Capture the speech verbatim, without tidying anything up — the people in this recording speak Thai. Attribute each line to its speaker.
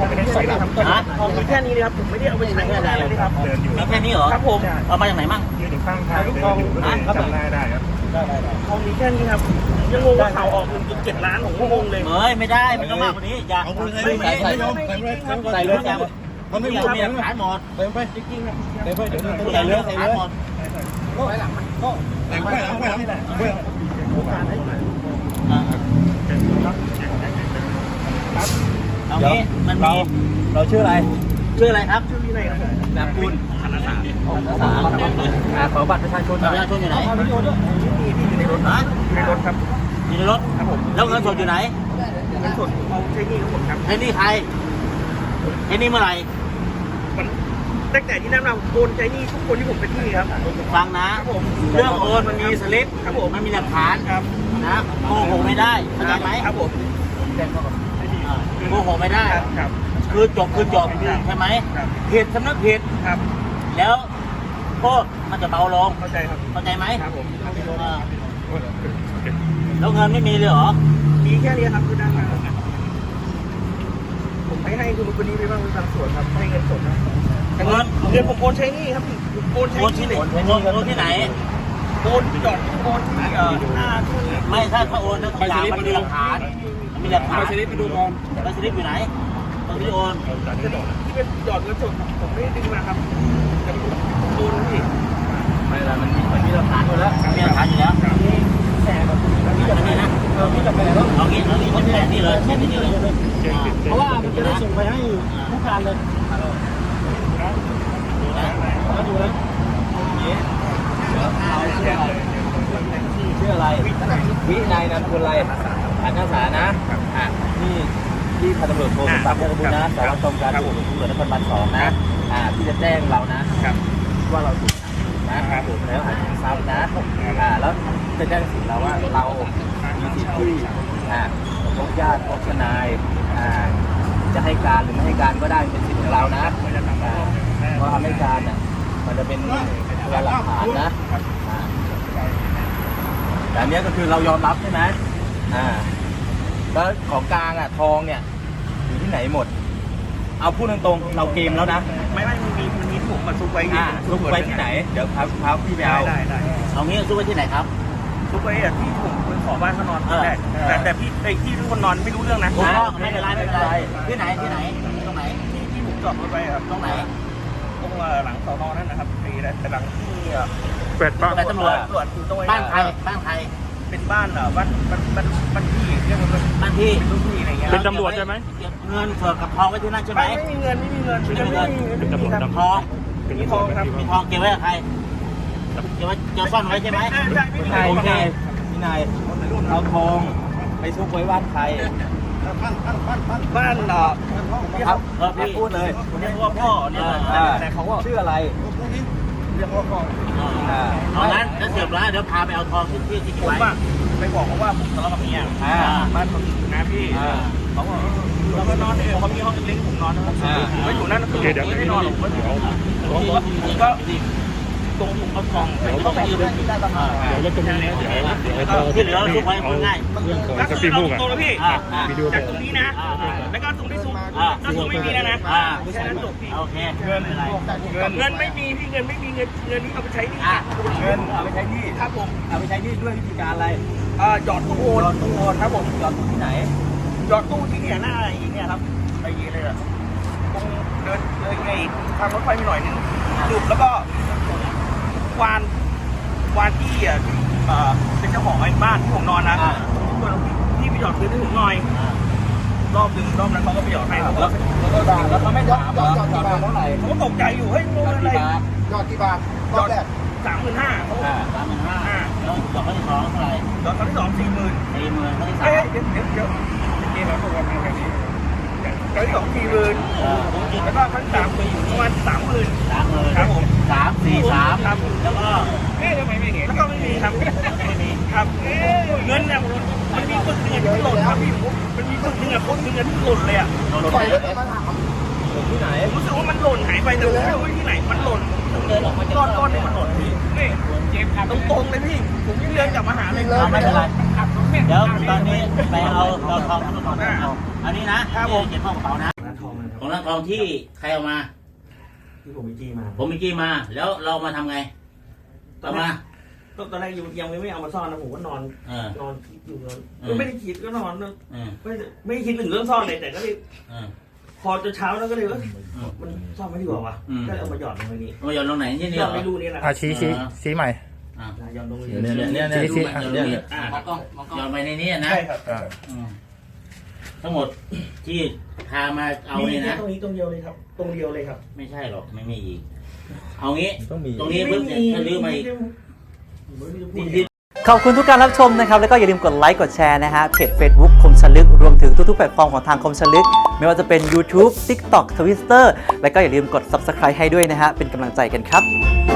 Speaker 1: องไม่ได้ใส่ครับทองมีแค่นี้เลยครับผมไม่ได้เอาไปใช้อะไรเลยครับมีแค่นี้เหรอครับผมเอามาจากไหนมั่งยืนอยู่ข้างทางทองจำได้ได้ครับทองมีแค่นี้ครับยังงงว่าข่าวออกหนึ่งจุดเจ็ดล้านผมก็งงเลยเฮ้ยไม่ได้มันต้องมากกว่านี้อย่าไม่ใส่ใส่ใส่เลยมันไม่มีมีหลักฐานหมดเต็มไปจริงๆนะเต็มไปเดี๋ยวใส่เลยใส่เลยก็ไปหลังมันก็แต่งไปหลังไปหลังไปเอางี้มันมีเราชื่ออะไรชื่ออะไรครับชื่อวินัยครับนามคุณธนสารธนสารขอบัตรประชาชนประชาชนอยู่ไหนอยู่ในรถนะอยู่ในรถครับอยู่ในรถครับผมแล้วเงินสดอยู่ไหนเงินสดเอาใช้หนี้ทั้งหมดครับใช้หนี้ใครใช้หนี้เมื่อไหร่ตั้งแต่ที่นั่นเราโอนใช้หนี้ทุกคนที่ผมเป็นหนี้ครับฟังนะเรื่องโอนมันมีสลิปครับผมมันมีหลักฐานครับนะโกหกไม่ได้เข้าใจไหมครับผมโกหกไม่ได้ครับคือจบคือจบใช่ไหมผิดสำนึกผิดครับแล้วโทษมันจะเบาลงเข้าใจครับเข้าใจไหมครับผมแล้วเงินไม่มีเลยเหรอมีแค่นี้ครับคือได้มาผมให้ให้คุณคนนี้ไปบ้างบางส่วนครับให้เงินสดนะเงินเงินผมโอนใช้หนี้ครับโอนใช้ที่ไหนโอนที่ไหนโอนหยอดโอนที่เอ่อหน้าที่ไม่ถ้าถ้าโอนแล้วทุกอย่างมันมีหลักฐานมันมีหลักฐานไปสลิปไปดูก่อนไปสลิปอยู่ไหนตรงที่โอนที่เป็นหยอดเงินสดผมไม่ได้ดึงมาครับโอนพี่ไม่ละมันมันมีหลักฐานอยู่แล้วมีหลักฐานอยู่แล้วแต่แบบนี้นะเอางี้จะไปแล้วเอางี้เอางี้คนแรกนี่เลยนี่เลยเพราะว่ามันจะได้ส่งไปให้ผู้การเลยดูนะดูนะชื่ออะไรวินัยนามคุณอะไรอันนักศึกษานะอ่ะที่ที่พันตำรวจโทสมศักดิ์คุณนะสารวัตรกองการตำรวจตำรวจนครบาลสองนะอ่าที่จะแจ้งเรานะว่าเราถูกนะครับผมแล้วหาทรัพย์นะอ่าแล้วจะแจ้งสิทธิ์เราว่าเรามีสิทธิ์ที่อ่าพบญาติพบทนายอ่าจะให้การหรือไม่ให้การก็ได้เป็นสิทธิ์ของเรานะเพราะทำให้การน่ะมันจะเป็นพยานหลักฐานนะแต่อันนี้ก็คือเรายอมรับใช่ไหมอ่าแล้วของกลางอ่ะทองเนี่ยอยู่ที่ไหนหมดเอาพูดตรงๆเราเกมแล้วนะไม่ไม่มันมีมันมีถุงมาซุกไว้อ่าซุกไว้ที่ไหนเดี๋ยวพาพาพี่ไปเอาได้ได้เอางี้ซุกไว้ที่ไหนครับซุกไว้อ่ะที่ผมไปขอบ้านเขานอนแต่แต่แต่พี่ไอ้ที่ทุกคนนอนไม่รู้เรื่องนะไม่เป็นไรไม่เป็นไรที่ไหนที่ไหนตรงไหนที่ที่ผมจอดรถไว้ครับตรงไหนตรงหลังสอนอนั่นนะครับไอ้แต่หลังที่เป็ดบ้านตำรวจตำรวจอยู่ตรงบ้านใครบ้านใครเป็นบ้านเหรอบ้านบ้านบ้านบ้านพี่เรียกว่าบ้านพี่เป็นลูกพี่อะไรเงี้ยเป็นตำรวจใช่ไหมเงินสดกับทองไว้ที่นั่นใช่ไหมไม่มีเงินไม่มีเงินไม่มีเงินเป็นตำรวจทองมีทองครับมีทองเก็บไว้กับใครเก็บไว้เก็บซ่อนไว้ใช่ไหมพี่นายพี่นายพี่นายเอาทองไปซุกไว้บ้านใครบ้านเนาะครับพี่พูดเลยเรียกว่าพ่อเนี่ยแต่เขาว่าชื่ออะไรเรียกว่าพ่อเอางั้นจะเสียบร้านเดี๋ยวพาไปเอาทองที่ที่ที่ไว้ไปบอกเขาว่าผมทะเลาะกับเมียบ้านผมอยู่นะพี่เขาบอกเราก็นอนเองเขามีห้องเล็กๆผมนอนนะครับผมก็อยู่นั่นคือผมไม่ได้นอนผมก็ผมก็ตรงผมเอาทองไปต้องไปยืนที่ได้ประมาณเดี๋ยวจะเป็นเดี๋ยวที่เหลือทุกคนง่ายก็คือเราตรงแล้วพี่จากตรงนี้นะแล้วก็ตรงที่ซุ้มถ้าซุ้มไม่มีแล้วนะแค่นั้นจบพี่โอเคเงินอะไรเงินไม่มีพี่เงินไม่มีเงินเงินนี้เอาไปใช้หนี้เงินเอาไปใช้หนี้ครับผมเอาไปใช้หนี้ด้วยวิธีการอะไรอ่าหยอดตู้โอนหยอดตู้โอนครับผมหยอดตู้ที่ไหนหยอดตู้ที่เนี่ยหน้าอีเนี่ยครับไปยีเลยอะตรงเดินเลยไงทางรถไฟมีหน่อยนึงจุดแล้วก็วานวานที่อ่ะเป็นเจ้าของไอ้บ้านที่ผมนอนนะที่ไปหยอดเงินให้ผมหน่อยรอบหนึ่งรอบนั้นเขาก็ไปหยอดให้แล้วแล้วแล้วเขาไม่ถามว่าหยอดกี่บาทเท่าไหร่เขาตกใจอยู่เฮ้ยงงอะไรหยอดกี่บาทหยอดสามหมื่นห้าเขาสามหมื่นห้าแล้วหยอดครั้งที่สองเท่าไหร่หยอดครั้งที่สองสี่หมื่นสี่หมื่นครั้งที่สามเดี๋ยวเดี๋ยวเดี๋ยวเดี๋ยวเราตกกันแบบนี้ครั้งที่สองสี่หมื่นแล้วก็ครั้งที่สามประมาณสามหมื่นสามหมื่นครับผมสามสี่สามครับแล้วก็เอ๊ะทำไมไม่เห็นแล้วก็ไม่มีครับไม่มีครับเงินเนี่ยมันมีคนหนึ่งที่หล่นครับพี่มันมีคนหนึ่งอะคนหนึ่งที่หล่นเลยอะหล่นไปแล้วมาถามหล่นที่ไหนผมรู้สึกว่ามันหล่นหายไปแต่ไม่รู้ที่ไหนมันหล่นก้อนก้อนนี่มันหล่นพี่นี่เจ็บครับตรงๆเลยพี่ผมวิ่งเดินกลับมาหาเลยไม่เป็นไร
Speaker 2: เดี๋ยวตอนนี้ไปเอาเราทองมาก่อนอันนี้นะครับผมเก็บเข้ากระเป๋านะ
Speaker 3: ร้านทองนะค
Speaker 2: ข
Speaker 3: รั
Speaker 2: อบ งร้านทองที่ใครเอามา
Speaker 3: ที่ผมมีจี้มา
Speaker 2: ผมมีกี้มา แล้วเรามาทำไงต่อมา
Speaker 3: ก็ตอนแรกยังไม่เอามาซ่อนนะผมก็นอน
Speaker 2: เออน
Speaker 3: อนคิดอยู่นอน
Speaker 2: เออ
Speaker 3: ก็ไม่ได้คิดก็นอน
Speaker 2: เออ
Speaker 3: ไม่ไม่ได้คิดถึงเรื่องซ่อนเลยแต่ก็เลย
Speaker 2: เออ
Speaker 3: พอจนเช้าแล้วก็เลยว่ามันซ่อนไม่ดีกว่าวะ
Speaker 2: อืม
Speaker 3: ก็เลยเอามาหยอดลงไปนี่
Speaker 2: มาหย่อนลงไหนที่นี่
Speaker 3: หย
Speaker 2: เหรอ
Speaker 3: อดไม่รู้นี่แหละ
Speaker 4: อ่ะชี้ชี้ชี้ใหม่
Speaker 2: อ่ะ
Speaker 3: หยอดลงไป
Speaker 1: เนี่ยเนี่ยเนี่ย
Speaker 4: ชี้ชี้
Speaker 2: ดู
Speaker 4: อ่ะ
Speaker 2: มัน
Speaker 4: เนี่ย
Speaker 2: อ่ะหย่อนไปในนี้นะ
Speaker 1: ใช่ครับ
Speaker 4: อ่า
Speaker 2: อืมทั้งหมดที่พามาเอา
Speaker 3: มี
Speaker 2: เนี่ย
Speaker 3: แค่
Speaker 2: นะ
Speaker 3: ตรงนี้ตรงเดียวเลยครับ ตรงเดียวเลยครับ
Speaker 2: ไม่ใช่หรอกไม่มีอีก เอางี้
Speaker 1: ต้องมี
Speaker 2: ตรงนี้ปุ๊บเนี่ยถ้าลื้อมาอีก
Speaker 3: นี่
Speaker 2: ที่
Speaker 5: ขอบคุณทุกการรับชมนะครับ แล้วก็อย่าลืมกดไลค์กดแชร์นะฮะเพจ Facebook คมชลึกรวมถึงทุกๆแพลตฟอร์มของทางคมชลึก ไม่ว่าจะเป็น YouTube TikTok Twitter แล้วก็อย่าลืมกด Subscribe ให้ด้วยนะฮะเป็นกำลังใจกันครับ